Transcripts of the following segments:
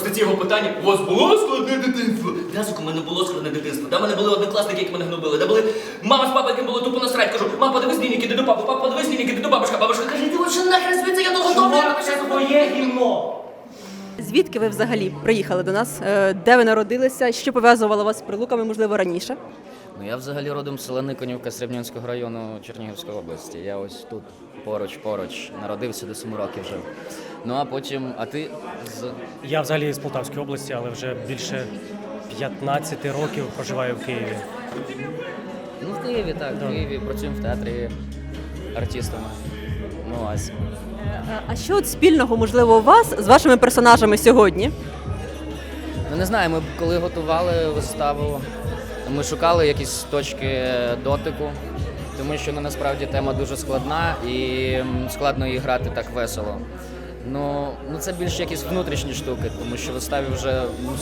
просто ці його питання. У вас було складне дитинство? В'язок, у мене було складне дитинство. Там в мене були однокласники, які мене гнобили. Там були мама з папою, яким було тупо насрать. Кажу, мам, подивись дневник, іди до папи, папа, подивись дневник, іди до бабушка. Бабушка каже, ти вообще нахрен звідси, я дуже добре. Чувак, це твоє гімно! Звідки ви взагалі приїхали до нас? Де ви народилися? Що пов'язувало вас з Прилуками, можливо, раніше? Ну, я взагалі родом з села Никонівка Срібнянського району Чернігівської області. Я ось тут поруч, народився до 7 років жив. Ну а потім, а ти з... Я взагалі з Полтавської області, але вже більше 15 років проживаю в Києві. Ну, в Києві, так, в Києві, працюємо в театрі артистами. Ну, ось. А що от спільного, можливо, у вас з вашими персонажами сьогодні? Ну, не знаю, ми коли готували виставу, ми шукали якісь точки дотику, тому що насправді тема дуже складна і складно її грати так весело. Ну це більше якісь внутрішні штуки, тому що виставі вже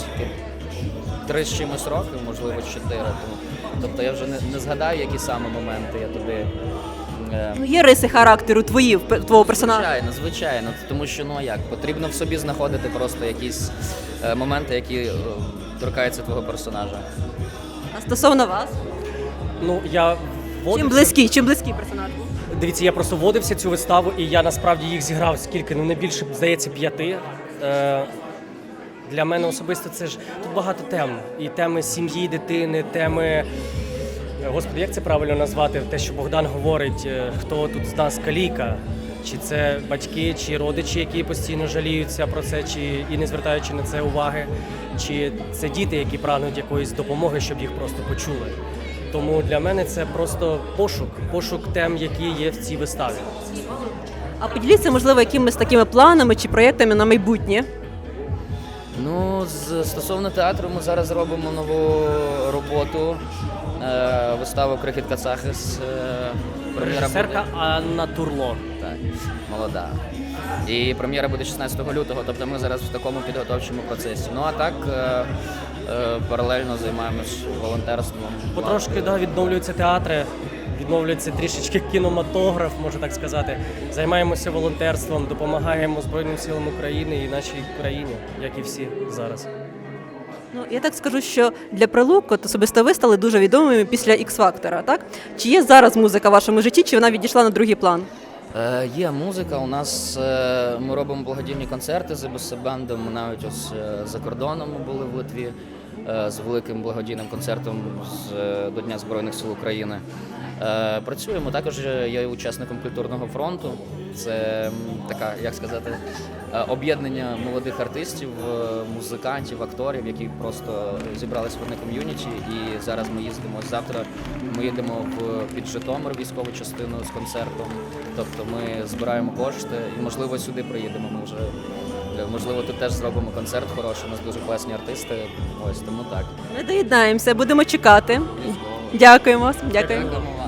3 з чимось років, можливо 4. Тобто я вже не згадаю, які саме моменти я тобі... Ну, є риси характеру твого персонажа? Звичайно, тому що, ну як, потрібно в собі знаходити просто якісь моменти, які торкаються твого персонажа. А стосовно вас? Ну, я Чим близький персонаж був? Дивіться, я просто вводився цю виставу, і я насправді їх зіграв скільки, не більше, здається, 5. Для мене особисто це ж тут багато тем. І теми сім'ї, дитини, теми... Господи, як це правильно назвати? Те, що Богдан говорить, хто тут з нас каліка? Чи це батьки, чи родичі, які постійно жаліються про це, чи і не звертаючи на це уваги, чи це діти, які прагнуть якоїсь допомоги, щоб їх просто почули. Тому для мене це просто пошук тем, які є в цій виставі. А поділіться, можливо, якимись такими планами чи проєктами на майбутнє? Ну, стосовно театру, ми зараз робимо нову роботу, виставу «Крихіт Кацахис». Режисерка Анна Турло. Так, молода. І прем'єра буде 16 лютого, тобто ми зараз в такому підготовчому процесі. Ну а так, паралельно займаємось волонтерством. Потрошки відновлюються театри, відновлюється трішечки кінематограф, можна так сказати. Займаємося волонтерством, допомагаємо Збройним силам України і нашій країні, як і всі зараз. Ну, я так скажу, що для Прилук от особисто ви стали дуже відомими після X-Factor, так? Чи є зараз музика в вашому житті, чи вона відійшла на другий план? Є музика, у нас ми робимо благодійні концерти з ебес-бендом, ми навіть ось за кордоном були в Литві з великим благодійним концертом до Дня Збройних сил України. Працюємо, також я учасником культурного фронту, це така, як сказати, об'єднання молодих артистів, музикантів, акторів, які просто зібралися в одне ком'юніті, і зараз ми їздимо, завтра ми їдемо під Житомир військову частину з концертом, тобто ми збираємо кошти і, можливо, сюди приїдемо, ми вже, можливо, тут теж зробимо концерт хороший, у нас дуже класні артисти, ось, тому так. Ми доєднаємося, будемо чекати. Дякуємо. Дякуємо вам.